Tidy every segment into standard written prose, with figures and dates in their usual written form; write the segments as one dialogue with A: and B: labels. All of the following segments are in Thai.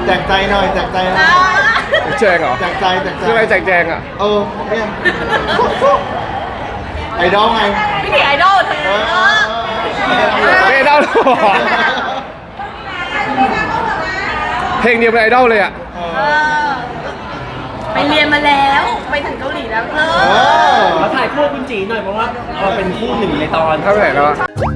A: แจกใจหน่อยแจกใจหน่อย
B: แจงเหรอ
A: แจกใจแจกใจ
B: คืออะไรแจกแจงอ่ะ
A: เนี่ยไอดอลไง
C: พี่ถีไอดอลเธอ
B: ไม่ได้หรอเพลงเดียวเป็นไอดอลเลยอ่ะ
C: ไปเรียนมาแล้วไปถึงเกาหลีแล้ว
D: เราถ่ายคู่คุณจีหน่อยเพราะว่าเราเป็นคู่หนึ่งในตอน
B: เท่าไหร่แล้วอะ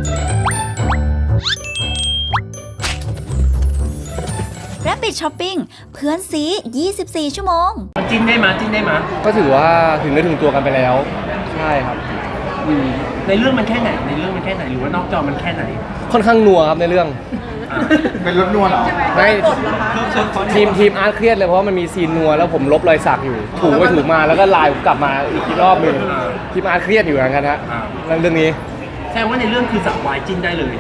E: Rabbit Shopping เพื่อนซี 24 ชั่วโมง
D: มันจิ้นได้มั้ยจิ้นได้มั้ย
B: ก็ถือว่าถึงเนื้อถึงตัวกันไปแล้ว ใช่ครับ
D: ในเรื่องมันแค่ไหนในเรื่องมันแค่ไหนหรือว่านอกจอมันแค่ไหน
B: ค่อนข้างนัวครับในเรื่อง
A: เป็นรถนวลเหรอ
B: ไม่ทีมอาร์ตเครียดเลยเพราะว่ามันมีซีนนัวแล้วผมลบรอยสักอยู่ถูไปถูมาแล้วก็ไลน์ผมกลับมาอีกรอบหนึงทีมอาร์ตเครียดอยู่เหมือนกันฮะเรื่องนี้
D: แสดงว่าในเรื่องคือสับวายจิ้นได้เลย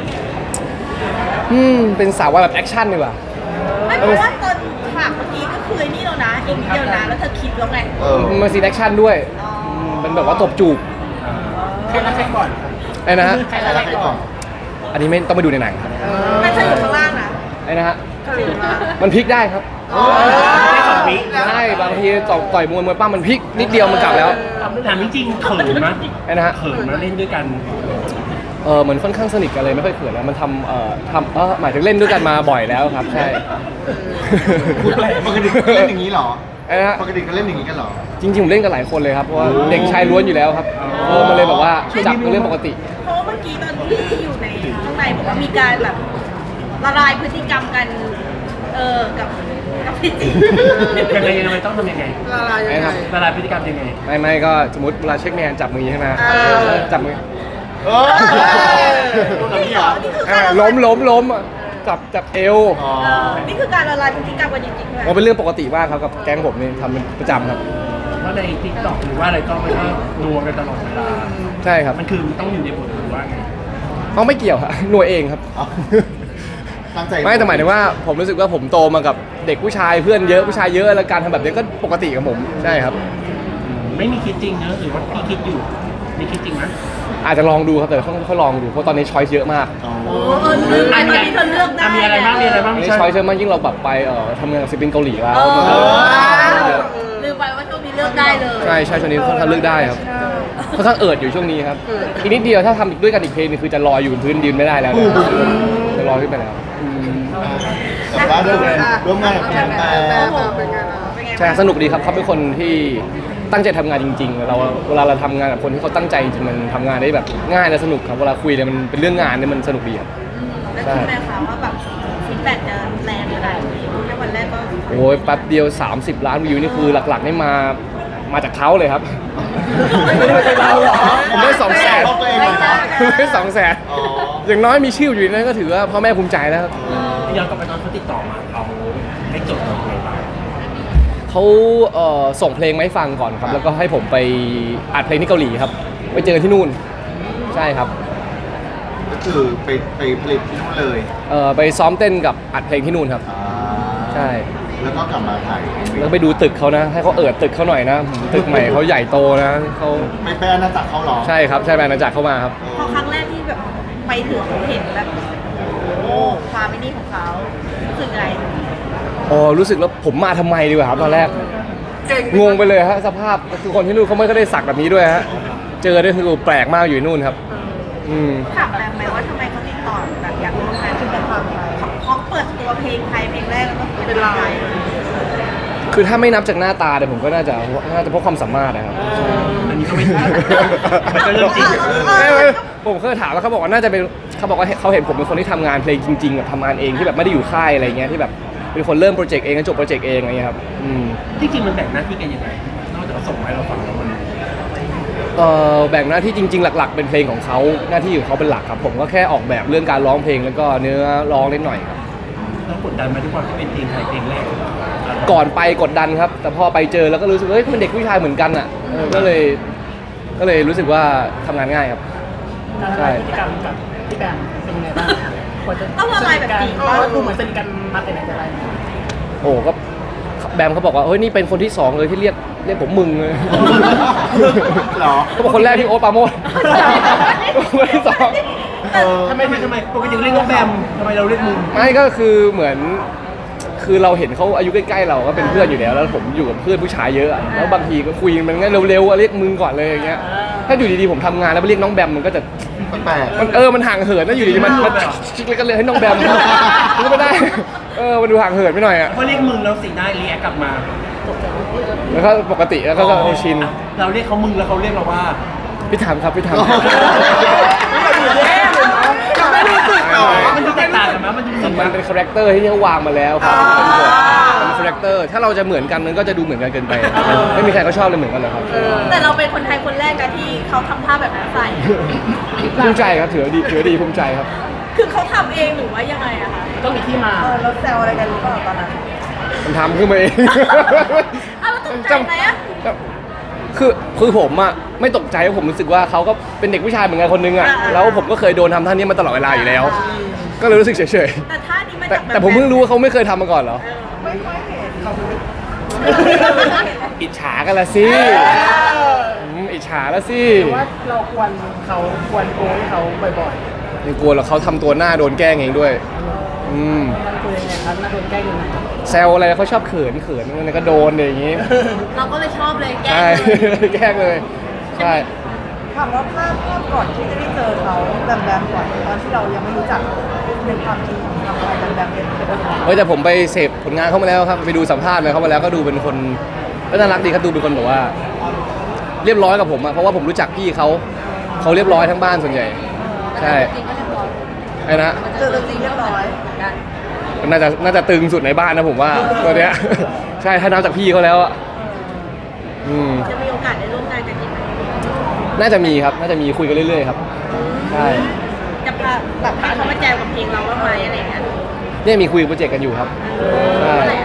B: เป็นสาวว่าแบบแอคชั่นดีกว่า
C: ไม่เพราะว่าตอนฉากเมื่อกี้ก็คือไอ้นี่แล้วนะอีกนิดเดียวนะแล้วเธอคิดแล้วไง
B: มันซีนแอคชั่นด้วยเป็นแบบว่าตบจูบ
D: ใครรักใครก่อน
B: ไอ้นะฮะ
A: ใครรักใครก่อน
B: อันนี้ไม่ต้องไปดูในหนังครับ
C: ไม่เธออยู่ข้างล่างนะ
B: ไอ้นะฮะมันพลิกได้ครับ
D: ได้สองวิ
B: ใช่บางทีต่อยมวยปั้มมันพลิกนิดเดียวมันกลับแล้ว
D: ถามจริงๆเขินมั้ย
B: ไอ้นะฮะ
D: เขินมาเล่นด้วยกัน
B: เหมือนค่อนข้างสนิทกันเลยไม่ค่อยเขินแล้วมันหมายถึงเล่นด้วยกันมาบ่อยแล้วครับใช่
A: ปกติเขาเล่นอย่างนี้เหรอ
B: ไอ้นะฮะ
A: ปกติเขาเล่นอย่างนี้กันเหรอ
B: จริงๆผมเล่นกันหลายคนเลยครับเพราะว่าเด็กชายล้วนอยู่แล้วครับมันเลยแบบว่าจับเป็นเรื่องปกติ
C: เพราะว่าเมื่อกี้ตอนที่อยู่ในข้างในบอกว่ามีการแบบละลายพฤติกรรมกันกับพี่จี
D: ยังไงต้องทำยังไง
B: ไอ้ครับ
D: ละลายพฤติกรรมยังไง
B: ไม่ก็สมมติเวลาเช็คแมนจับมือใช่ไหมจับมือ
C: นี่เหรอนี่คือการ
B: ล้มอ่ะจับเอว
C: นี่คือการละลายพฤติกรรมกันจริงๆเลย
B: มันเป็นเรื่องปกติมากครับกับแก๊งผมนี่ทำเป็นประจำครับ
D: ว่าในทิกตอกหรือว่าอะไรก็ไม่ต้องนัวกันตลอดเวลา
B: ใช่ครับ
D: มันคือต้องอยู่ในบทหรือว่าไง
B: เขาไม่เกี่ยวครับหน่วยเองครับ
A: ตั้งใจ
B: ไม่แต่หมายถึงว่าผมรู้สึกว่าผมโตมากับเด็กผู้ชายเพื่อนเยอะผู้ชายเยอะแล้วการทำแบบนี้ก็ปกติกับผมใช่ครับ
D: ไม่มีคิดจริงเนอะหรือว่าพี่คิดอยู่มีคิดจริงไหม
B: อาจจะลองดูครับแต่ต้องลองดูเพราะตอนนี้ช้อยส์เยอะมาก
C: ตอนนี้เธอเลือกได้
D: มีอะไรบ้างมีอะไรบ้าง
B: ตอน
D: พี่
B: นี้
D: ชาย
B: ช้อยส์เยอะมากยิ่งเราแบบไปทำงานกับศิลปินเกาหลีแล้ว
C: ลืมไปว่าช่วงนี้เลือกได้เลย
B: ใช่ช่วงนี้ค่อนข้างเลือกได้ครับค่อนข้างอยู่ช่วงนี้ครับอีกนิดเดียวถ้าทำด้วยกันอีกเพลงนึงคือจะลอยอยู่บนพื้นยืนไม่ได้แล้วนะจะลอยขึ้นไปแล้ว
A: แต่ว่าร่วมงานกับแฟน
B: ใช่สนุกดีครับเขาเป็นคนที่ตั้งใจทำงานจริงๆเวลาเราทำงานกับคนที่เขาตั้งใจจริงๆมันทำงานได้แบบง่ายและสนุกครับเวลาคุยเนี่ยมันเป็นเรื่องงานเนี่ยมันสนุกดีครับ
C: แล้วคิดไหมคะว่าแบบฟีดแบ็กจะแรงขนาดนี้แค่วันแรกก็
B: โอ้ยแป๊บเดียว30 ล้านวิวนี่คือหลักๆนี่มาจากเขาเลยครับผมได้200,000ผมได้200,000อย่างน้อยมีชื่ออยู่ในนั้นก็ถือว่าพ่อแม่ภูมิใจแล้วครับ
D: ย้อนกลับไปตอนเขาติดต่อมาเขาให้จดอะไรบ้าง
B: เขาส่งเพลงมาให้ฟังก่อนครับแล้วก็ให้ผมไปอัดเพลงที่เกาหลีครับไปเจอที่นู่นใช่ครับ
A: ก็คือไปผลิตที่นู่นเลย
B: ไปซ้อมเต้นกับอัดเพลงที่นู่นครับใช่
A: แล้วก็กลับมาถ่าย
B: แล้วไปดูตึกเขานะให้เขาตึกเขาหน่อยนะตึกใหม่เขาใหญ่โตนะเขา
A: ไม่เป็นอาณาจักรเขาหรอ
B: ใช่ครับใช่แบรนด์อาณาจักรเข้ามาครับ
C: พอครั้งแรกที่แบบไปถึงเห็นแบบโอ้ความไม่นี่ของเขารู้สึกไง
B: รู้สึกแล้วผมมาทำไมดีกว่าครับตอนแรกงงไปเลยฮะสภาพคือคนที่นู่นเขาไม่ก็ได้สักแบบนี้ด้วยฮะเจอได้คือแปลกมากอยู่ที่นู่นครับ
C: ถามแรงไหมว่าทำไมเขาติดต่อแบบอยากร่วมงานคือแบบเขาเปิดตัวเพลงไทยเพลงแรกแล้วก็เป็นไทย
B: คือถ้าไม่นับจากหน้าตาเนี่ยผมก็น่าจะเพราะความสามารถนะครับ
D: อันนี้ก็ไม่ใช่มันก็เรื่องจริง
B: ผมเคยถามแล้วเขาบอกว่าน่าจะเป็นเขาบอกว่าเขาเห็นผมเป็นคนที่ทำงานเพลงจริงๆแบบทำงานเองที่แบบไม่ได้อยู่ค่ายอะไรเงี้ยที่แบบเป็นคนเริ่มโปรเจกต์เองจบโปรเจกต์เองอะไรเงี้ยครับ
D: ที่จริงมันแบ่งหน้าที่กันยังไงนอกจากเขาส่งมาให้เราฟังแล้วมัน
B: แบ่งหน้าที่จริงๆหลักๆเป็นเพลงของเขาหน้าที่ของเขาเป็นหลักครับผมก็แค่ออกแบบเรื่องการร้องเพลงแล้วก็เนื้อร้องนิดหน่อยครับ
D: แล้วกดดันมาทุกคนที่เป็นเพลงไทยเพลงแรก
B: ก่อนไปกดดันครับแต่พอไปเจอแล้วก็รู้สึกเฮ้ยมันเด็กผู้ชายเหมือนกันอ่ะก็เลยรู้สึกว่าทำงานง่ายครับใช่
F: พฤติกรรมกับพี่แบมเป็นยังไงบ้างควรจะ
C: ต้องละลายแบบจริง
F: ดูเหมือนสนิทกันมาแต่ไหนแต่ไร
B: โอ้ก็แบมเขาบอกว่าเฮ้ยนี่เป็นคนที่2เลยที่เรียกผมมึงเลย
A: หรอ
B: เขาบอกคนแรกที่โอ๊ตปราโมชคนที่2
D: ทำไมปกติเรียกว่าแบมทำไมเราเรียกมึง
B: ไม่ก็คือเหมือนคคือเราเห็นเขาอายุใกล้ๆเราก็เป็นเพื่อนอยู่แล้วแล้วผมอยู่กับเพื่อนผู้ชายเยอะอะแล้วบางทีก็คุยมันงั้นเร็วๆอะเรียกมึงก่อนเลยอย่างเงี้ยถ้าอยู่ดีๆผมทำงานแล้วไปเรียกน้องแบมมันก็จะ
A: แปลก
B: มันห่างเหินนะอยู่ดีๆมันชิกเลยก็เลยให้น้องแบมมันก็ไม่ได้มันดูห่างเหินไปหน่อยอะ
D: พอเรียกมึงแล้วสีหน้ารีแอคกลับมา
B: แล้วก็ปกติแล้วก็ชิน
D: เราเรียกเขามึงแล้วเขาเรียกเราว่า
B: พี่ถามครับพี่ถาม
D: ไม่รู้สึกหรอมันดูแตกต่างกันไหมมันดูรู้สึก
B: มันเป็นคาแรคเตอร์ที่เขาวางมาแล้วครับเป็นคาแรคเตอร์ถ้าเราจะเหมือนกันมันก็จะดูเหมือนกันเกินไปไม่มีใครเขาชอบเลยเหมือนกันเลยครับ
C: แต่เราเป็นคนไทยคนแรกนะที่เขาทำท่าแบบนั้นใส่
B: ภูมิใจครับถือดีภูมิใจครับ
C: คือเขาทำเองหรือว่ายังไงอะคะ
F: ต้องมีที่มา
C: เราแซวอะไรกันหรือเปล่าตอนนั้น
B: มันทำขึ้นมาเอง
C: อ้าวแล้วตกใจไหมอะ
B: คือผมอะไม่ตกใจเพราะผมรู้สึกว่าเขาก็เป็นเด็กผู้ชายเหมือนกันคนนึงอะแล้วผมก็เคยโดนทำท่านี้มาตลอดเวลาอยู่แล้ว ก็เลยรู้สึกเฉย
C: แต่ท่านี้มา
B: ๆแต่
C: จากแบบ
B: แต่ผมเพิ่งรู้ว่าเขาไม่เคยทำมาก่อนเหรอ
C: ไม่ค่อยเห็น
B: อิจฉากันละสิอิจฉาละสิ
F: ว่าเราควรโกงให้เขาบ่อย
B: ไม่กลัวหรอกเขาทำตัวหน้าโดนแกล้งเองด้วย
F: ๆมันคุยยังไงครับน่าโดนแกล้งยังไง
B: แซวอะไรเขาชอบเขินมันก็โดนอย่างงี้
C: เราก็เลยชอบเลยแกล้
B: ใช่
C: งเลย
B: แกล้งเลยใช่
G: ถามว่าภาพก่อนที่จะได้เจอเขาแบมแบมก่อนตอนที่เรายังไม่รู้จักในความจริงของทำอะไรแบมแบมเป็นยังไง
B: แต่ผมไปเสพผลงานเขามาแล้วครับไปดูสัมภาษณ์มาเขามาแล้วก็ดูเป็นคนก็น่ารักดีครับดูเป็นคนแบบว่า เรียบร้อยกับผมอะเพราะว่าผมรู้จักพี่เขาเรียบร้อยทั้งบ้านส่วนใหญ่ใช่ไอ้นะ
G: เจอตัวจริงเรียบร้อย
B: น่าจะตึงสุดในบ้านนะผมว่าตัวเนี้ย ใช่ถ้านับจากพี่เขาแล้วอะ
C: จะมีโอกาสได้ร่วมงานกันอีกไหม
B: น่าจะมีครับน่าจะมีคุยกันเรื่อยๆครับใช่
C: จะพาแบบให้เขามาแจมกับเพลงเราบ้างไหมอะไรอย่างเงี้ย
B: เนี่ยมีคุยโปรเจกต์กันอยู่ครับใช่
C: อะไรอะ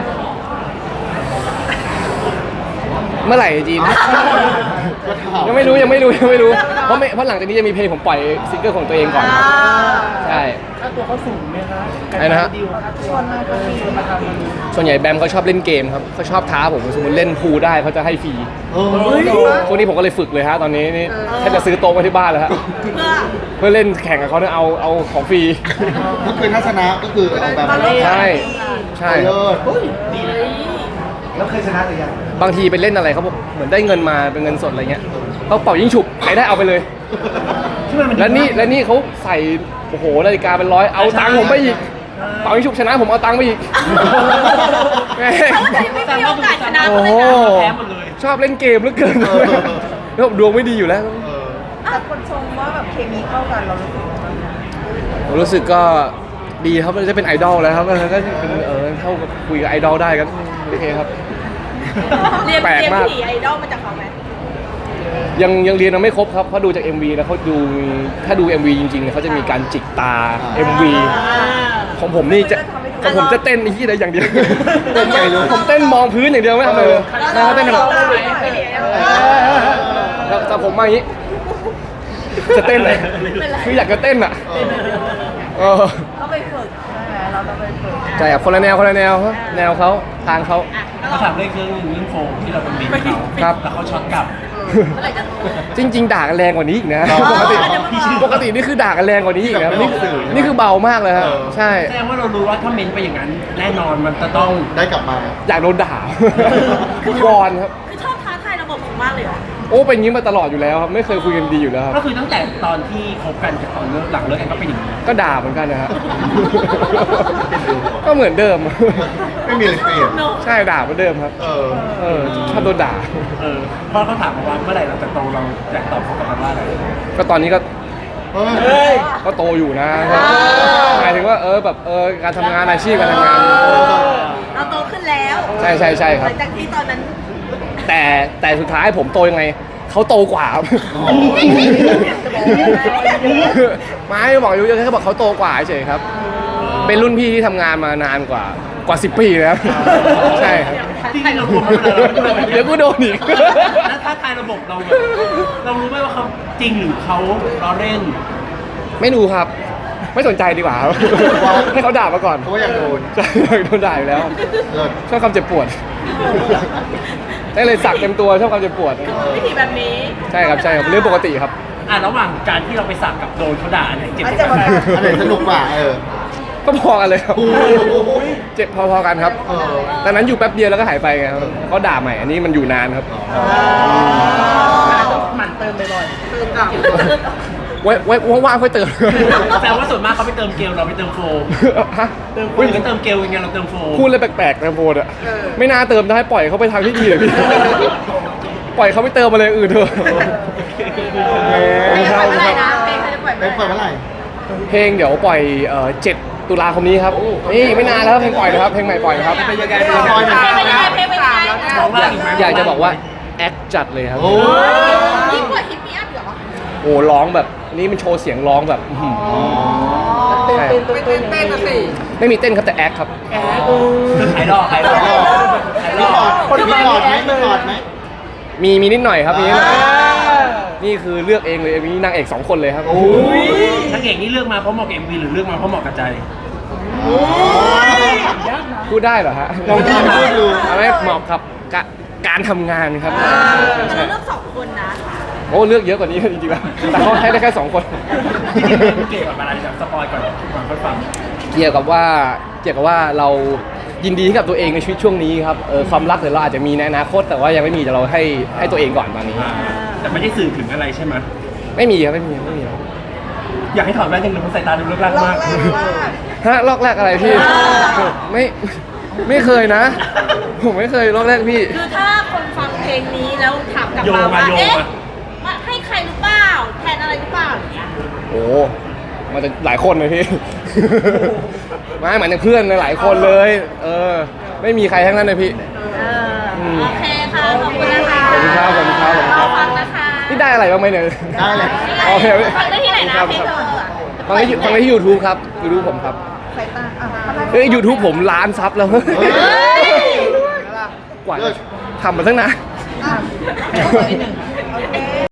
B: เมื่อไหร่จีน
A: ก็ถาม
B: ยังไม่รู้เพราะหลังจากนี้จะมีเพลงผมปล่อยซิงเกิลของตัวเองก่อนใช่
F: ค่าตัวเขาสูงไหมคะ
B: ไอ้นะฮะ
F: ดีลค่าตัวมาก็มีมาทำมัน
B: ส่วนใหญ่แบมเขาชอบเล่นเกมครับเขาชอบท้าผมสมมติเล่นพูลได้เขาจะให้ฟรี
A: เฮ้ย
B: พวกนี้ผมก็เลยฝึกเลยฮะตอนนี้นี่แค่จะซื้อโต๊ะมาที่บ้านแล้วฮะ
C: เพื่อ
B: เพื่อเล่นแข่งกับเขาเนี่ยเอาของฟรี
A: ก็คือถ้าชนะก็คือเอาแบบ
B: ใช่ใช่
A: เลิศ
F: แล้วเคยชนะหรือยัง
B: บางทีไปเล่นอะไรเขาบอกเหมือนได้เงินมาเป็นเงินสดอะไรเงี้ยเขาเป่ายิงฉุบใครได้เอาไปเลย แล้วนี่เขาใส่โอ้โหนาฬิกาเป็นร้อยเอาตังค์ผมไปอีกเป่ายิงฉุบชนะผมเอาตังค์ไปอีกแม่ง
C: เขาจะไม่มีโอกาสชนะ
B: โอ้
C: เขา
B: โห
C: เลยนะ
D: แพ้หมดเลย
B: ชอบเล่นเกมเหลือเกินแล้วผมดวงไม่ดีอยู่แล้ว
G: แต่คนชมว่าแบบเคมีเข้ากันเรารู้สึกยังไงบ้างคะ
B: ผมรู้สึกก็ดีครับมันจะเป็นไอดอลแล้วครับก็เป็นเท่ากับคุยกับไอดอลได้กันโอเคครับ
C: เรียน
B: แปลกมาก
C: ผีไอดอลมาจากเขาไหม
B: ยังเรียนยังไม่ครบครับเพราะดูจาก MV แล้วเขาดูถ้าดู MV จริงๆเนี่ยเขาจะมีการจิกตา MV ของผมนี่จะของผมจะเต้นไอ้ที่ใดอย่างเดียวผมเต้นมองพื้นอย่างเดียวไม่ทำอะไรเลยนะเขาเต้นแบบแต่ผมมาอย่างนี้ จะเต้นเลยคืออยากจะเต้นอ่ะ
G: ต้องไปฝึกใช่ไหมเราต้องไปฝึก
B: ใช่ครับคนละแนวครับแนวเขาทางเขา
D: เขาถามเรื่องโฟมที่เราเป็นบินเขา
B: ครับ
D: แล้วเขาช็อตกลับ
B: จริงๆด่ากันแรงกว่านี้อีกนะปกตินี่คือด่ากันแรงกว่านี้อีกนะนี่คือเบามากเลยครับใช่
D: แสดงว่าเรารู้ว่าถ้าเมนไปอย่างนั้น แน่นอนมันจะต้อง
A: ได้กลับมา
B: อยากโดนด่า คือวอนครับ
C: คือชอบท้าทายระบบของมากเลยเหรอ
B: โอ้เป็นอย่างนี้มาตลอดอยู่แล้วครับไม่เคยคุยกันดีอยู่แล้วครับ
D: ก็คือตั้งแต่ตอนที่คบกันกับตอนเลิกหลังเลิกกันก็เป็นอย่างนี้
B: ก็ด่าเหมือนกันนะครับ ก็เหมือนเดิม
A: ไม่มีอะไรเปลี่ยน
B: ใช่ด่าเหมือนเดิมครับ ชอบโดนด่า
D: พอเขาถามมาว่าเมื่อไหร่เราจะโตเราอยากตอบเขากลับมาว่าอะไร
B: ก็ตอนนี้ก็
A: เฮ้ย
B: ก็โตอยู่นะหมายถึงว่าแบบการทำงานอาชีพการทำงาน
C: เราโตขึ้นแล้ว
B: ใช่ครับ
C: หลังจากที่ตอนนั้น
B: แต่สุดท้ายผมโตยังไงเขาโตกว่าครับไม่บอกอายุเยอะแค่บอกเขาโตกว่าเฉยครับ เป็นรุ่นพี่ที่ทำงานมานานกว่า10 ปีแล้วใช่ครับ
D: ที่เรารู้มาแล้ว
B: เดี๋ยวกูโดนอีก
D: แล้วถ้าทายระบบเราแบบเรารู้ไหมว่าเขาจริงหรือเขาล้อเล่น
B: ไม่ดูครับ ไม่สนใจดีกว่าครับให้เขาด่ามาก่อน
A: เพราะว่าอยากโดน
B: ใช่อยากโดนด่าอยู่แล้ว
A: เลิศ
B: ชอบความเจ็บปวดได้เลยสักเต็มตัวชอบความเจ็บปวด
C: วิธีแบบนี้
B: ใช่ครับเรื่องปกติครับ
D: ระหว่างการที่เราไปสักกับโดนเขาด่าเนี่ยเจ็บ
G: อาจ
D: ก
G: จะ
D: ว่า
G: มา
D: กัน
A: อันไหนสนุกกว่า
B: ก็พอกันเลยครับ
A: โอ้โห
B: เจ็บพอๆกันครับตอนนั้นอยู่แป๊บเดียวแล้วก็หายไปไงครับเขาด่าใหม่อันนี้มันอยู่นานครับ
F: หมั่นเติมบ่อย
B: ไว้ว่างๆค่อยเติม
D: แปลว่าส่วนมากเขาไปเติมเกลเราไปเติมโฟม
B: ฮะ
D: คนอื่นก็เติมเกลยังไงเราเติมโฟม
B: พูดเลยแปลกๆนะโฟนอ่ะไม่น่าเติมได้ปล่อยเขาไปทางที่ดีเลยพี่ ปล่อยเขาไปเติมอะไรอื่นเถอะ
C: เพลงเมื่อไหร่นะเพลงเขาจะปล่อย
A: เป็นเปิดเมื่อไหร่
B: เพลงเดี๋ยวปล่อย7 ตุลาคมนี้ครับนี่ไม่นานแล้วเพลงปล่อยนะครับเพลงใหม่ปล่อยนะครับ
D: เป็นยังไง
C: เพลงไม่ได้เพลงไม่ได้
D: ร้องล่างอีกไหม
B: อยากจะบอกว่าแอคจัดเลยครับ
A: โอ้
C: ยิ่งกว่าฮิปปี้อัพเหรอ
B: โอ้ร้องแบบนี่มันโชว์เสียงร้องแบบอื้อหือใช่
G: เต้นกันสิ
B: ไม่มีเต้นครับแต่แอคครับ
D: ขายหลอกขายหลอกขายหล
A: มี
D: อก
A: ถอดมีถอดไหมมีถอดไหม
B: มีนิดหน่อยครับมีนิดหน่อยนี่คือเลือกเองเลยมีนางเอก2 คนเลยครับ
D: นางเอกนี่เลือกมาเพราะเหมาะกับ MV หรือเลือกมาเพราะเหมาะกับใจ
B: พูดได้เหรอฮะ
A: ลองพูดดู
B: เอาไม่เหมาะกับการทำงานครับ
C: เราเลือก2 คนนะ
B: โอ้เลือกเยอะกว่านี้จริงๆแล้วแต่เขาให้ได้แค่2 คน
D: จริงๆมันเกี่ยวกับอะไรแบบสปอยก่อนค่อยฟัง
B: เกี่ยวกับว่าเรายินดีกับตัวเองในชีวิตช่วงนี้ครับความรักเดี๋ยวเราอาจจะมีในอนาคตแต่ว่ายังไม่มีแต่เราให้ตัวเองก่อนตอนนี้
D: แต่ไม่ได้สื่อถึงอะไรใช่ไหม
B: ไม่มีครับไม่มี
D: อยากให้ถอดแว่นยังดูเพราะสายตาดูเลิกลัก
G: รอบ
D: มาก
G: แรกว่า
B: ฮะลอกแรกอะไรพี่ไม่เคยนะ ผมไม่เคยลอกแรกพี่
C: คือถ้าคนฟังเพลงนี้แล้วถามกลับมาว่าเอ๊ะมาให้ใครหรือเปล่าแทนอะไรหรือเปล่าอย่างเงี้ย
B: โอ้มันจะหลายคนเลยพี่ ไม่เหมือนอย่างเพื่อนหลายคนเลย ไม่มีใครทั้งนั้นเลยพี่
C: โอเคค่ะ ขอบคุณนะคะ
B: ขอบคุณครับขอบคุณครับขอบคุณครับ
C: ฟังนะคะ
B: นี่ได้อะไรบ้างไหมเนี่ย
A: ได้เลย
B: โอเค
C: ฟังได้ที่ไหนนะเพลงเธออะ
B: ฟังได้ที่ YouTube ครับ YouTube ผมครับ
G: สายตาอ่ะ
B: เฮ้ย YouTube ผมล้านซับแล้ว
C: เฮ้ย
B: กว่าจะทำมาตั้งนาน
G: อ่ะ